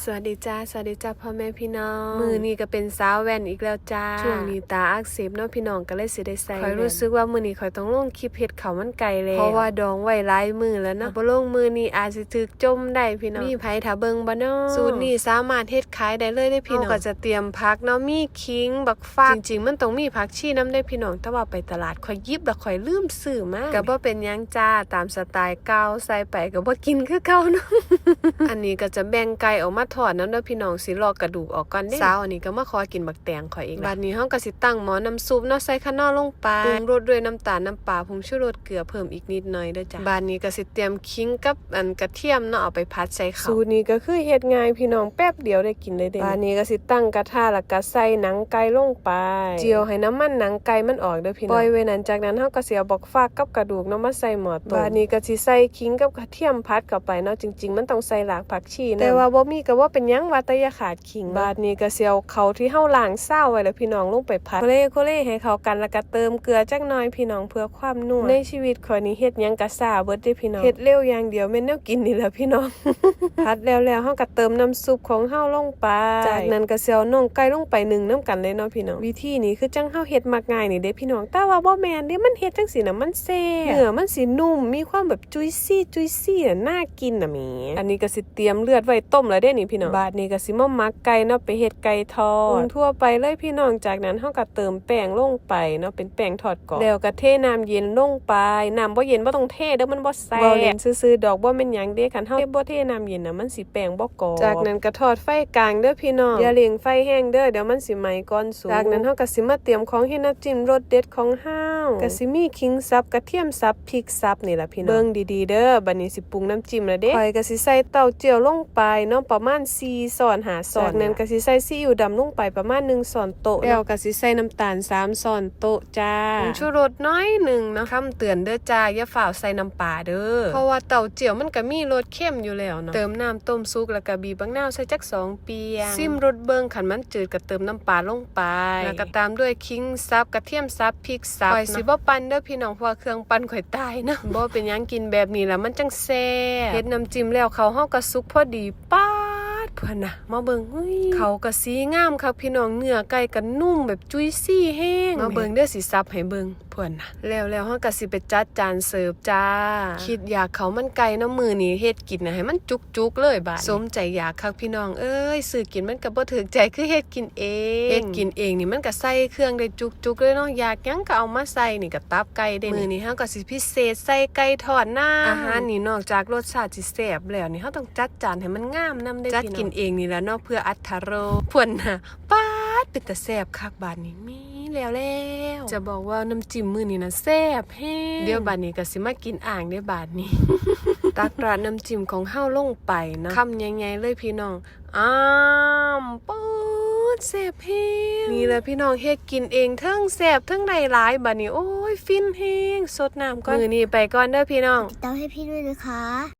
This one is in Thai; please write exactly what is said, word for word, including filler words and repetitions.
วัสดีจ้าสวัสดีจ้าพ่อแม่พี่น้องมือนี้ก็เป็นสาวแว่นอีกแล้วจ้าช่วงนี้ตาอักเสบเนาะพี่น้องก็เลยสิได้ใส่ข่อยรู้สึกว่ามื้อนี้ข่อยต้องลงคลิปเฮ็ดข้าวมันไก่แล้วเพราะว่าดองไว้หลายมื้อแล้วเนาะบ่ลงมื้อนี้อาจสิถูกจมได้พี่น้องมีไผถ้าเบิ่งบ่เนาะสูตรนี้สามารถเฮ็ดขายได้เลยเด้พี่น้องก็จะเตรียมผักเนาะมีขิงบักฟากจริงๆมันต้องมีผักชีนำได้พี่น้องแต่ว่าไปตลาดข่อยหยิบแล้วข่อยลืมซื้อมาก็บ่เป็นหยังจ้าตามสไตล์เก่าใส่ไปก็บ่กินคือเก่าเนาะ อันนี้ก็จะแบ่งไก่ออกมาทอดนำเด้อพี่น้องสิลอกกระดูกออกก่อนเด้สาวอันนี้ก็มาขอกินบักแตงข่อยเองบัดนี้เฮาก็สิตั้งหม้อน้ำซุปเนาะใส่ข้าวเหนียวลงไปปรุงรสด้วยน้ำตาลน้ำปลาผงชูรสเกลือเพิ่มอีกนิดหน่อยเด้อจ้ะบัดนี้ก็สิเตรียมขิงกับอันกระเทียมเนาะเอาไปผัดใส่ข้าวสูตรนี้ก็คือเฮ็ดง่ายพี่น้องแป๊บเดียวได้กินเลยเด้บัดนี้ก็สิตั้งกระทะแล้วก็ใส่หนังไก่ลงไปเจียวให้น้ำมันหนังไก่มันออกเด้อพี่น้องปล่อยไว้นั้นจากนั้นเฮาก็สิเอาบักฟากกับกระดูกเนาะมาใส่หม้อต้มบัดนี้ก็สิใส่ขิงกับกระเทียมผัดเข้าไปเนาะจริงๆมันต้องใส่หลากผักชีนะแต่ว่าบ่มีก็ว่าเป็นหยังว่าแต่อย่าขาดขิงบาดนี้ก็สิเอาเขาที่เฮาล้างเศร้าไว้แล้วพี่น้องลงไปผัดโคเล่โคเล่ให้เข้ากันแล้วก็เติมเกลือจักหน่อยพี่น้องเพื่อความนัวในชีวิตข้อยนี้เฮ็ดหยังก็ซ่าเบิดเด้พี่น้องเฮ็ดเร็วอย่างเดียวแม่นแนวกินนี่แหละพี่น้อง ผัดแล้วแล้วเฮาก็เติมน้ำซุปของเฮาลงไปจากนั้นก็สิเอาน่องไก่ลงไปนึ่งนำกันเลยเนาะพี่น้องวิธีนี้คือจังเฮาเฮ็ดมักง่ายนี่เด้พี่น้องแต่ว่าบ่แม่นเด้มันเฮ็ดจังซี่น่ะมันแซ่บเนื้อมันสินุ่มมีความแบบจุยซี่จุยซี่น่ะน่ากินน่ะแหมอันนี้ก็สิเตรียมเลือดไว้ต้มแล้วเด้นี่พี่น้องบาดนี้ก็สิมาหมักไก่เนาะไปเฮ็ดไก่ทอดทั่วไปเลยพี่น้องจากนั้นเฮาก็เติมแป้งลงไปเนาะเป็นแป้งทอดกรอบแล้วก็เทน้ำเย็นลงไปน้ำบ่เย็นบ่ต้องเทเด้อมันบ่แซ่บบ่เล่นซื่อๆดอกบ่แม่นหยังเด้คันเฮาบ่เทน้ำเย็นน่ะมันสิแป้งบ่กรอบจากนั้นก็ทอดไฟกลางเด้อพี่น้องอย่าเร่งไฟแห้งเด้อเดี๋ยวมันสิไหม้ก่อนสุกจากนั้นเฮาก็สิมาเตรียมของเฮ็ดน้ำจิ้มรสเด็ดของเฮาก็สิมีขิงสับกระเทียมสับพริกสับนี่ล่ะพี่น้องเบิ่งดีๆเด้อบัดนี้สิปรุงน้ำจิ้มแล้วเด้ข้อยก็สิใส่เต้าเจี้ยวลงไปเนาะประมาณสี่ช้อนห้าช้อนจากนั้นก็สิใส่ซีอิ๊วดำลงไปประมาณหนึ่งช้อนโต๊ะแล้วก็สิใส่น้ำตาลสามช้อนโต๊ะจ้าผงชูรสน้อยหนึ่งเนาะคำเตือนเด้อจ้าอย่าฝ่าวใส่น้ำปลาเด้อเพราะว่าเต้าเจี้ยวมันก็มีรสเค็มอยู่แล้วเนาะเติมน้ำต้มซุกแล้วก็บีบบักนาวใส่จักสองเปียงซิมรสเบิ่งคันมันจืดก็เติมน้ำปลาลงไปแล้วก็ตามด้วยขิงสับกระเทียมสับพริกสับข่อยสิบ่ปั่นเด้อพี่น้องเพราะว่าเครื่องปั่นข่อยตายนะบ่เป็นหยังกินแบบนี้แล้วมันจังแซ่บเฮ็ดน้ำจิ้มแล้วเขาเฮาก็สุกพอดีป๊าดเพิ่นน่ะมาเบิ่งเฮ้ยเขาก็สีงามคักพี่น้องเนื้อไก่ก็นุ่มแบบจุยซี่แห้งมาเบิ่งเด้อสิซับให้เบิ่งเพิ่นน่ะแล้วแล้วเฮาก็สิไปจัดจานเสิร์ฟจ้าคิดอยากเขามันไก่น้ำมือนี้เฮ็ดกินน่ะให้มันจุกๆเลยบาดสมใจอยากคักพี่น้องเอ้ยซื้อกินมันก็บ่ถูกใจคือเฮ็ดกินเองเฮ็ดกินเองนี่มันก็ใส่เครื่องได้จุกๆเลยเนาะอยากหยังก็เอามาใส่นี่ก็ตับไก่ได้มื้อนี้เฮาก็สิพิเศษใส่ไก่ทอดน้ำอาหารนี่นอกจากรสชาติสิแซ่บแล้วนี่เฮาต้องจัดจานให้มันงามนำได้จัดกินเองนี่แหละเนาะเพื่ออรรถรสเพิ่นน่ะป๊าดเป็นตาแซ่บคักบาดนี้มีแล้วแล้วจะบอกว่าน้ำจิ้มมื้อนี้นะแซ่บแฮงเดี๋ยวบาดนี้ก็สิมากินอ่างได้บาดนี้ ตักราดน้ำจิ้มของเฮาลงไปนะคำใหญ่ๆเลยพี่น้องอ้ามป๊ดแซ่บแฮงนี่แหละพี่น้องเฮ็ดกินเองเทิงแซ่บเทิงได้หลายบาดนี้โอ้ยฟินแฮงสดน้ำก่อนมื้อนี้ไปก่อนเด้อพี่น้องติดตามให้พี่ด้วยนะคะ